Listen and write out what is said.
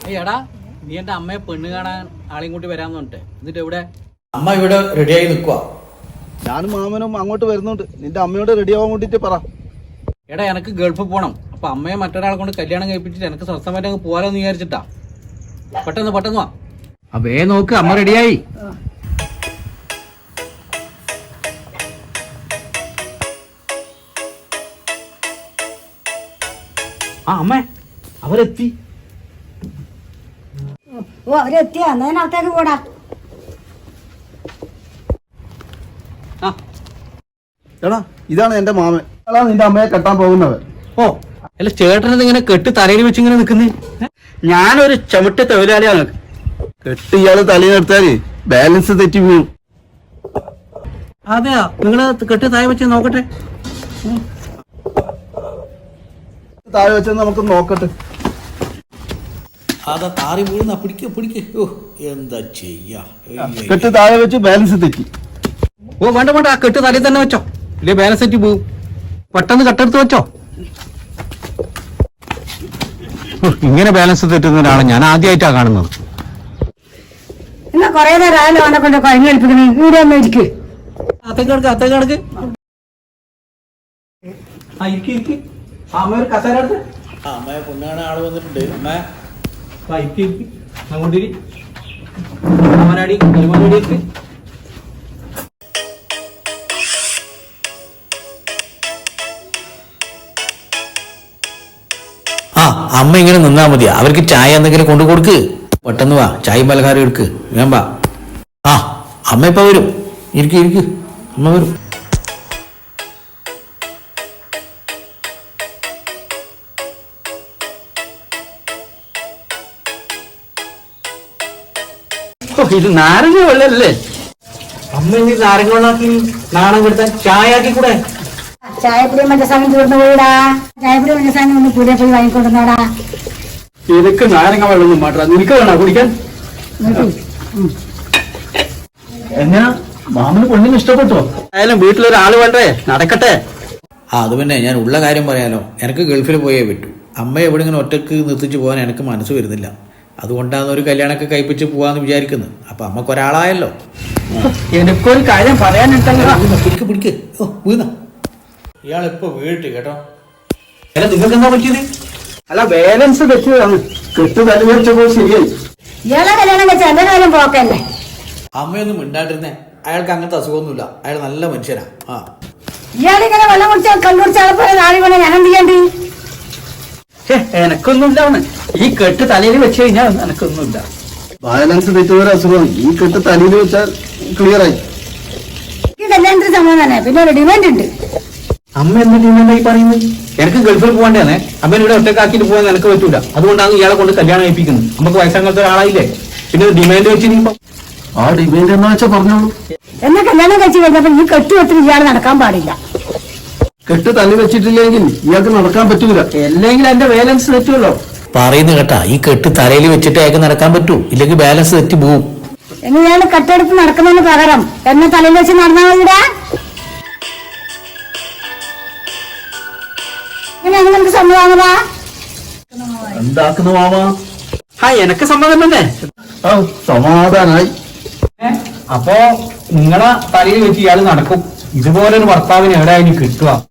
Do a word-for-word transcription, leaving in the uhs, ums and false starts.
എടാ നീ എന്റെ അമ്മയെ പെണ്ണ് കാണാൻ ആളെയും കൂട്ടി വരാന്ന് പറഞ്ഞിട്ട് എന്നിട്ട് എവിടെ? അമ്മ ഇവിടെ റെഡിയായി നിൽക്കുക. ഞാനും മാമനും അങ്ങോട്ട് വരുന്നുണ്ട്. നിന്റെ അമ്മയോട് റെഡി ആവാൻ വേണ്ടിട്ട് പറ. എടാ എനിക്ക് ഗൾഫിൽ പോകണം. അപ്പൊ അമ്മയെ മറ്റൊരാളെ കൊണ്ട് കല്യാണം കഴിപ്പിച്ചിട്ട് എനിക്ക് സ്വസ്ഥമായിട്ട് അങ്ങ് പോകാലോന്ന് വിചാരിച്ചിട്ടാ. പെട്ടെന്ന് പെട്ടെന്ന് വാ. അപ്പേ നോക്ക്, അമ്മ റെഡിയായി. ആ അമ്മേ, അവരെത്തി. ഓ അവരെത്തിയാ, എന്നാ ഞാൻ അകത്തേക്ക് പോടാ. എടാ ഇതാണ് എന്റെ മാമൻ. എടാ നിന്റെ അമ്മയെ കെട്ടാൻ പോകുന്നവൻ. ഓ അല്ല, ചേട്ടനത് ഇങ്ങനെ കെട്ട് തലയിൽ വെച്ച് ഇങ്ങനെ നിക്കുന്നേ? ഞാനൊരു ചവിട്ട് തൊഴിലാളിയാണ്. കെട്ട് ഇയാള് തലയിലെടുത്താല് ബാലൻസ് തെറ്റി വീഴും. അതെയാ, നിങ്ങള് കെട്ട് താഴെ വെച്ച് നോക്കട്ടെ. താഴെ വെച്ചെന്ന് നമുക്ക് നോക്കട്ടെ. അതാ താറി വീഴുന്ന പിടിക്ക പിടിക്ക. ഓ എന്താ ചെയ്യാ. കെട്ട് താഴെ വെച്ച് ബാലൻസ് തെറ്റി. ഓ വേണ്ട വേണ്ട, ആ കെട്ട് തലയിൽ തന്നെ വെച്ചോ, ഇല്ലേ ബാലൻസ് തെറ്റി പോവും. പെട്ടെന്ന് കട്ടെടുത്ത് വെച്ചോ. ഇങ്ങനെ ബാലൻസ് തെറ്റുന്ന ഒരാളെ ഞാൻ ആദ്യമായിട്ടാ കാണുന്നത്. എന്നാ കൊറേ നേരം ആയാലും അവനെ കൊണ്ട് കഴിഞ്ഞു കളിപ്പിക്കണേ. ഇവിടെ ഒന്ന് ഇരിക്ക്. അത്തേക്ക് കിടക്ക്, അത്തേക്ക് കിടക്ക്. ആ ഇരിക്ക് ഇരിക്ക്. അമ്മ ഒരു കസേര എടുത്ത്. അമ്മയെ പൊന്നാണ് ആള് വന്നിട്ടുണ്ട്. അമ്മ ആ ഇരിക്ക് ഇരിക്ക്. അങ്ങോട്ടിരി. അമ്മനാടി കരിമാനോടി ഇരിക്ക്. ആ അമ്മ ഇങ്ങനെ നിന്നാ മതിയാ. അവർക്ക് ചായ എന്തെങ്കിലും കൊണ്ടു കൊടുക്ക്. പെട്ടെന്ന് വാ, ചായ പലഹാരം എടുക്ക്. ഞാൻ വാ. ആ അമ്മ ഇപ്പൊ വരും. ഇരിക്ക് ഇരിക്ക്, അമ്മ വരും. ഇത് നാരങ്ങ വെള്ളല്ലേ? അമ്മ ഇനി നാരങ്ങ വെള്ളാക്കി നാണം കെടുത്താൻ ചായ ആക്കി കൂടെ? ചായപ്പൊടിയും പഞ്ചസാരയും തീർന്നു പോയിടാ. ചായപ്പൊടിയും പഞ്ചസാരയും ഒന്ന് കൂടെ പോയി വാങ്ങിക്കൊണ്ടുവന്നാടാ. ഇതൊക്കെ നാരങ്ങ വെള്ളമൊന്നും മാറ്റാ. നിനക്ക് വേണോ കുടിക്കാൻ? എന്നാ മാമന് പെണ്ണിന് ഇഷ്ടപ്പെട്ടോ? ആയാലും വീട്ടിലൊരാള് വേണ്ടേ, നടക്കട്ടെ. ആ അത് പിന്നെ ഞാൻ ഉള്ള കാര്യം പറയാലോ. എനിക്ക് ഗൾഫിൽ പോയേ പറ്റൂ. അമ്മ എവിടെ ഇങ്ങനെ ഒറ്റക്ക് നിർത്തിച്ച് പോകാൻ എനിക്ക് മനസ്സ് വരുന്നില്ല. അതുകൊണ്ടാണ് ഒരു കല്യാണമൊക്കെ കഴിപ്പിച്ച് പോവാന്ന് വിചാരിക്കുന്നത്. അപ്പൊ അമ്മക്ക് ഒരാളായല്ലോ. എനിക്കൊരു കാര്യം പറയാനുണ്ടല്ലോ. പിടിക്ക് പിടിക്ക്. ഓ വീണ ഇയാളിപ്പോ വീഴ്ത്തി കേട്ടോ. നിങ്ങൾക്ക് എന്താ പറ്റിയത്? അല്ല ബാലൻസ് തെറ്റിയതാണ്. കെട്ട് തല വെച്ചപ്പോ ശരിയായി. ഇയാളെ കല്യാണം വെച്ച എന്റെ കാര്യം പോക്കല്ലേ. അമ്മയൊന്നും മിണ്ടാണ്ടിരുന്നേ. അയാൾക്ക് അങ്ങനത്തെ അസുഖമൊന്നുമില്ല. അയാൾ നല്ല മനുഷ്യനാ. ആ ഇയാളിങ്ങനെ വെള്ളം കുടിച്ചാൽ കണ്ണുടിച്ചാൽ പോലെ നാളെ പോലെ ഞാൻ എന്ത് ചെയ്യണ്ടി? എനക്കൊന്നുമില്ല. ഈ കെട്ട് തലയിൽ വെച്ച് കഴിഞ്ഞാൽ എനക്കൊന്നുമില്ല. ബാലൻസ് തെറ്റുന്ന അസുഖം. ഈ കെട്ട് തലയിൽ വെച്ചാൽ ക്ലിയർ ആയി. ഈ കല്യാണത്തിന് സമയം തന്നെ. പിന്നെ ഒരു ഡിമാൻഡ് ഉണ്ട്. അമ്മ എന്ത് ഡിമാൻഡായി പറയുന്നത്? എനിക്ക് ഗൾഫിൽ പോകണ്ടേന്നെ. അമ്മ ഇവിടെ ഒറ്റക്കാക്കിട്ട് പോകാൻ എനിക്ക് പറ്റൂല. അതുകൊണ്ടാണ് ഇയാളെ കൊണ്ട് കല്യാണം കഴിപ്പിക്കുന്നത്. നമുക്ക് വയസ്സാകാത്ത ഒരാളായില്ലേ, പിന്നെ ഡിമാൻഡ് വെച്ചിരിക്കുമ്പോ ആ ഡിമാൻഡ് എന്നാ വെച്ചാൽ പറഞ്ഞോളൂ. എന്നെ കല്യാണം കഴിച്ച് കഴിഞ്ഞപ്പോ ഈ കെട്ടുവെത്തിന് ഇയാൾ നടക്കാൻ പാടില്ല. കെട്ട് തല വെച്ചിട്ടില്ലെങ്കിൽ ഇയാൾക്ക് നടക്കാൻ പറ്റൂല. അല്ലെങ്കിൽ എന്റെ ബാലൻസ് തെറ്റുമല്ലോ. പറയുന്ന കേട്ടാ, ഈ കെട്ട് തലയിൽ വെച്ചിട്ട് അയാൾക്ക് നടക്കാൻ പറ്റൂ. ഇല്ലെങ്കിൽ ബാലൻസ് തെറ്റി പോവും. ഇനി ഇയാൾ കെട്ടെടുത്ത് നടക്കുന്നതിന് പകരം എന്നെ തലയിൽ വെച്ച് നടന്നാൽ മതിടാ. ഇങ്ങനെ നമുക്ക് സമ്മതമാണതാ. എന്താക്കുന്ന മാമാ? ആ എനക്ക് സമ്മതം തന്നെ. ആ സമാധാനായി. അപ്പോ നിങ്ങളെ തലയിൽ വെച്ച് ഇയാൾ നടക്കും. ഇതുപോലൊരു ഭർത്താവിന് എവിടെയായാലും കിട്ടുക?